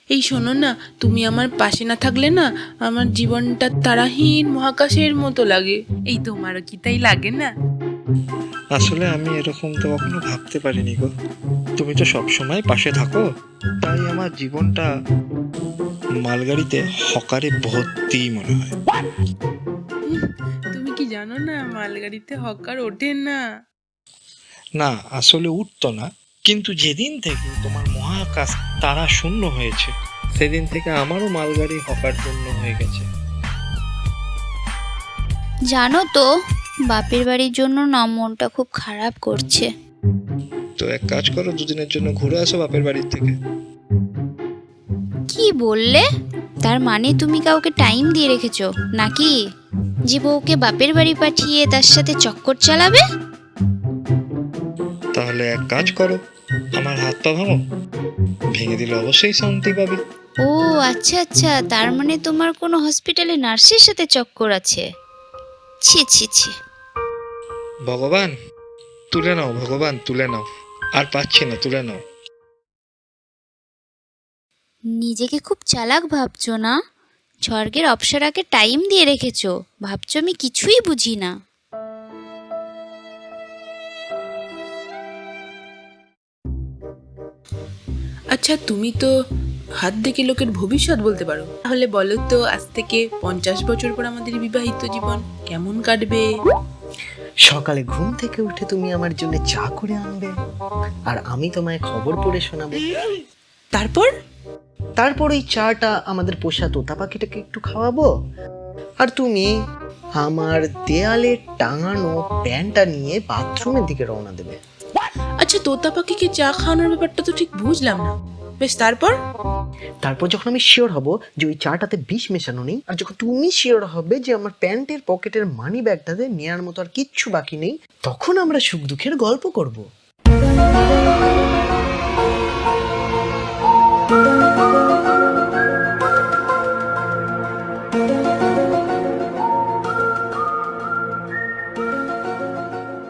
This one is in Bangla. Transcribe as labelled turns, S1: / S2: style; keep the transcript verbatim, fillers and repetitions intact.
S1: এই শোনো না, তুমি আমার পাশে না থাকলে না আমার জীবনটা তারাহীন মহাকাশের মতো লাগে। এই তোমারও কি তাই লাগে না?
S2: আসলে আমি এরকম তো কখনো ভাবতে পারিনি গো। তুমি তো সবসময় পাশে থাকো, তাই আমার জীবনটা মালগাড়িতে হকারে ভর্তি মনে হয়।
S1: হুম, তুমি কি জানো না মালগাড়িতে হকার ওঠে না?
S2: না, আসলে উঠতো না, কিন্তু যেদিন থেকে তোমার মহাকাশ তারা শূন্য হয়েছে সেদিন থেকে আমারও মালগাড়ি হকার শূন্য হয়ে গেছে।
S3: জানো তো, বাপের বাড়ির জন্য না মনটা খুব খারাপ করছে।
S2: তো এক কাজ করো, দুদিনের জন্য ঘুরে আসো বাপের বাড়ির থেকে।
S3: কি বললে? তার মানে তুমি কাউকে টাইম দিয়ে রেখেছো নাকি, যে বউকে বাপের বাড়ি পাঠিয়ে তার সাথে চক্কর চালাবে?
S2: তাহলে এক কাজ করো, আমার হাত পা ভাঙো, ভেঙে দিলে অবশ্যই শান্তি পাবে।
S3: ও আচ্ছা আচ্ছা, তার মানে তোমার কোনো হসপিটালে নার্সের সাথে চক্কর আছে। ছি ছি ছি।
S2: ভগবান তুলে নাও, ভগবান তুলে নাও, আর পাচ্ছি না, তুলে নাও।
S3: নিজেকে খুব চালাক ভাবছো না? স্বর্গের অপ্সরাকে টাইম দিয়ে রেখেছো, ভাবছো আমি কিছুই বুঝি না।
S1: আচ্ছা, তুমি তো হাত দেখে লোকের ভবিষ্যৎ বলতে পারো, তাহলে বলো তো আজ থেকে পঞ্চাশ বছর পর আমাদের বিবাহিত জীবন কেমন কাটবে?
S4: সকালে ঘুম থেকে উঠে তুমি আমার জন্য চা করে আনবে, আর আমি তোমায় খবর পড়ে শোনাবো।
S1: তারপর?
S4: তারপর ওই চাটা আমাদের পোষা তোতা পাখিটাকে একটু খাওয়াবো, আর তুমি আমার দেয়ালে টাঙানো প্যান্টটা নিয়ে বাথরুমের দিকে রওনা দেবে।
S1: আচ্ছা, তোতা পাখিকে চা খাওয়ানোর ব্যাপারটা তো ঠিক বুঝলাম না। বেশ, তারপর?
S4: তারপর যখন আমি শিওর হব যে ওই চাটাতে বিষ মেশানো নেই, আর যখন তুমি শিওর হবে যে আমার প্যান্টের পকেটের মানি ব্যাগটাতে নেওয়ার মতো আর কিচ্ছু বাকি নেই, তখন আমরা সুখ দুঃখের গল্প করব।